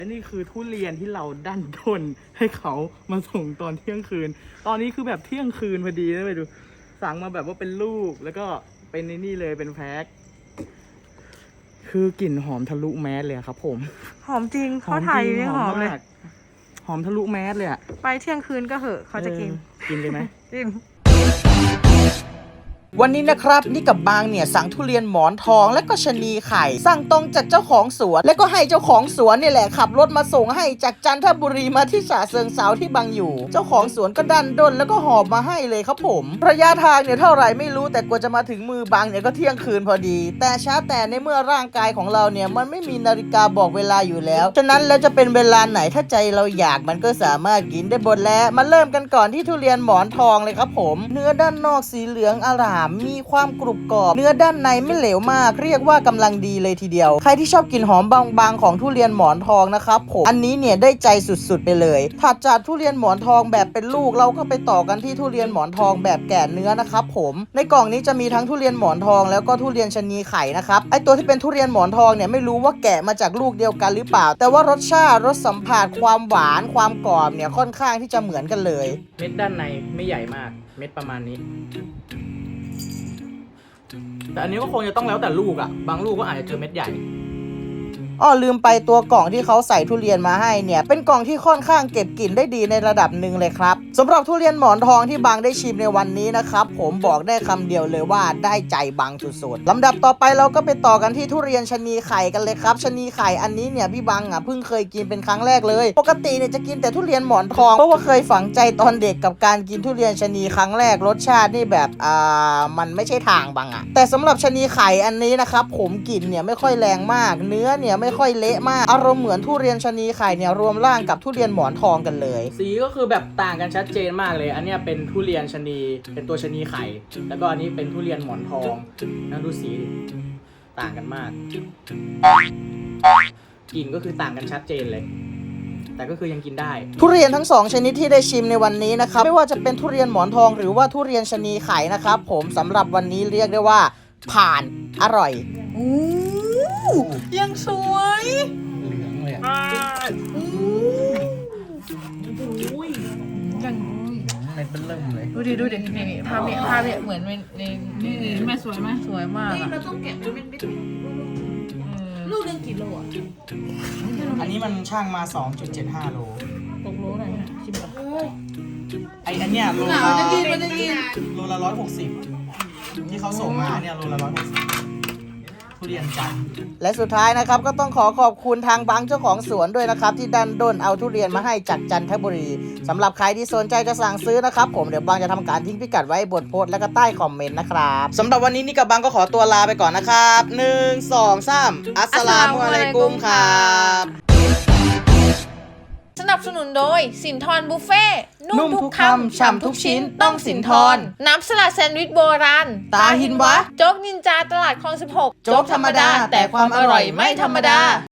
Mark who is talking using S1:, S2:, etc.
S1: และนี่คือทุเรียนที่เราดันด้นให้เขามาส่งตอนเที่ยงคืนตอนนี้คือแบบเที่ยงคืนพอดีนะไปดูสั่งมาแบบว่าเป็นลูกแล้วก็เป็นในนี่เลยเป็นแพ็คคือกลิ่นหอมทะลุแมสเลยครับผม
S2: หอมจริงเขาถ่ายยังหอมเลย
S1: หอมทะลุแมสเลยอะ
S2: ไปเที่ยงคืนก็เหอะเขาจะกิน
S1: เลยไหม
S2: กิน
S3: วันนี้นะครับนี่กับบางเนี่ยสั่งทุเรียนหมอนทองและก็ชะนีไข่สั่งตรงจากเจ้าของสวนและก็ให้เจ้าของสวนนี่แหละขับรถมาส่งให้จากจันทบุรีมาที่ฉะเชิงเทราที่บางอยู่เจ้าของสวนก็ดันด้นแล้วก็หอบมาให้เลยครับผมระยะทางเนี่ยเท่าไหร่ไม่รู้แต่กว่าจะมาถึงมือบางเนี่ยก็เที่ยงคืนพอดีแต่ช้าแต่ในเมื่อร่างกายของเราเนี่ยมันไม่มีนาฬิกาบอกเวลาอยู่แล้วฉะนั้นแล้วจะเป็นเวลาไหนถ้าใจเราอยากมันก็สามารถกินได้หมดแล้วมาเริ่มกันก่อนที่ทุเรียนหมอนทองเลยครับผมเนื้อด้านนอกสีเหลืองอร่ามมีความกรุบกรอบเนื้อด้านในไม่เหลวมากเรียกว่ากำลังดีเลยทีเดียวใครที่ชอบกลิ่นหอมบางๆของทุเรียนหมอนทองนะครับผมอันนี้เนี่ยได้ใจสุดๆไปเลยถัดจากทุเรียนหมอนทองแบบเป็นลูกเราก็ไปต่อกันที่ทุเรียนหมอนทองแบบแก่เนื้อนะครับผมในกล่องนี้จะมีทั้งทุเรียนหมอนทองแล้วก็ทุเรียนชะนีไข่นะครับไอตัวที่เป็นทุเรียนหมอนทองเนี่ยไม่รู้ว่าแกะมาจากลูกเดียวกันหรือเปล่าแต่ว่ารสชาติรสสัมผัสความหวานความกรอบเนี่ยค่อนข้างที่จะเหมือนกันเลย
S1: เม็ดด้านในไม่ใหญ่มากเม็ดประมาณนี้แต่อันนี้ก็คงจะต้องแล้วแต่ลูกอ่ะบางลูกก็อาจจะเจอเม็ดใหญ่
S3: ลืมไปตัวกล่องที่เขาใส่ทุเรียนมาให้เนี่ยเป็นกล่องที่ค่อนข้างเก็บกลิ่นได้ดีในระดับหนึ่งเลยครับสำหรับทุเรียนหมอนทองที่บางได้ชิมในวันนี้นะครับผมบอกได้คำเดียวเลยว่าได้ใจบางสุดๆลำดับต่อไปเราก็ไปต่อกันที่ทุเรียนชะนีไข่กันเลยครับชะนีไข่อันนี้เนี่ยพี่บางเพิ่งเคยกินเป็นครั้งแรกเลยปกติเนี่ยจะกินแต่ทุเรียนหมอนทองเพราะว่าเคยฝังใจตอนเด็กกับการกินทุเรียนชะนีครั้งแรกรสชาตินี่แบบมันไม่ใช่ทางบางแต่สำหรับชะนีไข่อันนี้นะครับผมกลิ่นเนี่ยไม่ค่อยแรงมากเนื้อเนี่ยไม่ค่อยเละมากอารมณ์เหมือนทุเรียนชะนีไข่เนี่ยรวมร่างกับทุเรียนหมอนทองกันเลย
S1: สีก็คือแบบต่างกันชัดเจนมากเลยอันนี้เป็นทุเรียนชะนีเป็นตัวชะนีไข่แล้วก็อันนี้เป็นทุเรียนหมอนทองนั่นดูสีต่างกันมากกลิ่นก็คือต่างกันชัดเจนเลยแต่ก็คือยังกินได้
S3: ทุเรียนทั้ง2ชนิดที่ได้ชิมในวันนี้นะครับไม่ว่าจะเป็นทุเรียนหมอนทองหรือว่าทุเรียนชะนีไข่นะครับผมสำหรับวันนี้เรียกได้ว่าผ่านอร่อย
S2: ยังสวย
S1: เหลืองเลย
S2: ยัง
S1: มันเป็นเริ่มเลย
S2: ดูดินี่ภาพเนี่ยเหมือนในนี่แม่สวยไหมสวยมากเราต้องแกะเป็นเม็ดลูกนึงกี่โลอ่ะ
S1: อันนี้มันช่างมา 2.75 โล
S2: ตกโลไหนชิมก่อน
S1: อันเนี้ยโลละ160ที่เขาส่งมาเนี่ยโลละ160ทุเรียนจันทร์
S3: และสุดท้ายนะครับก็ต้องขอบคุณทางบางเจ้าของสวนด้วยนะครับที่ดันด้นเอาทุเรียนมาให้จากจันทบุรีสำหรับใครที่สนใจจะสั่งซื้อนะครับผมเดี๋ยวบางจะทำการทิ้งพิกัดไว้บนโพสต์และก็ใต้คอมเมนต์นะครับสำหรับวันนี้นี่กับบางก็ขอตัวลาไปก่อนนะครับ1 2 3อัสสลามุอะลัยกุมครับ
S2: สนับสนุนโดยสินทรบุฟเฟ่นุ่มทุกคำฉ่ำทุกชิ้นต้องสินทรน้ำสลัดแซนด์วิชโบราณ
S3: ตาหินวะ
S2: โจ๊กนินจาตลาดคลอง16
S3: โจ๊กธรรมดาแต่ความอร่อยไม่ธรรมดา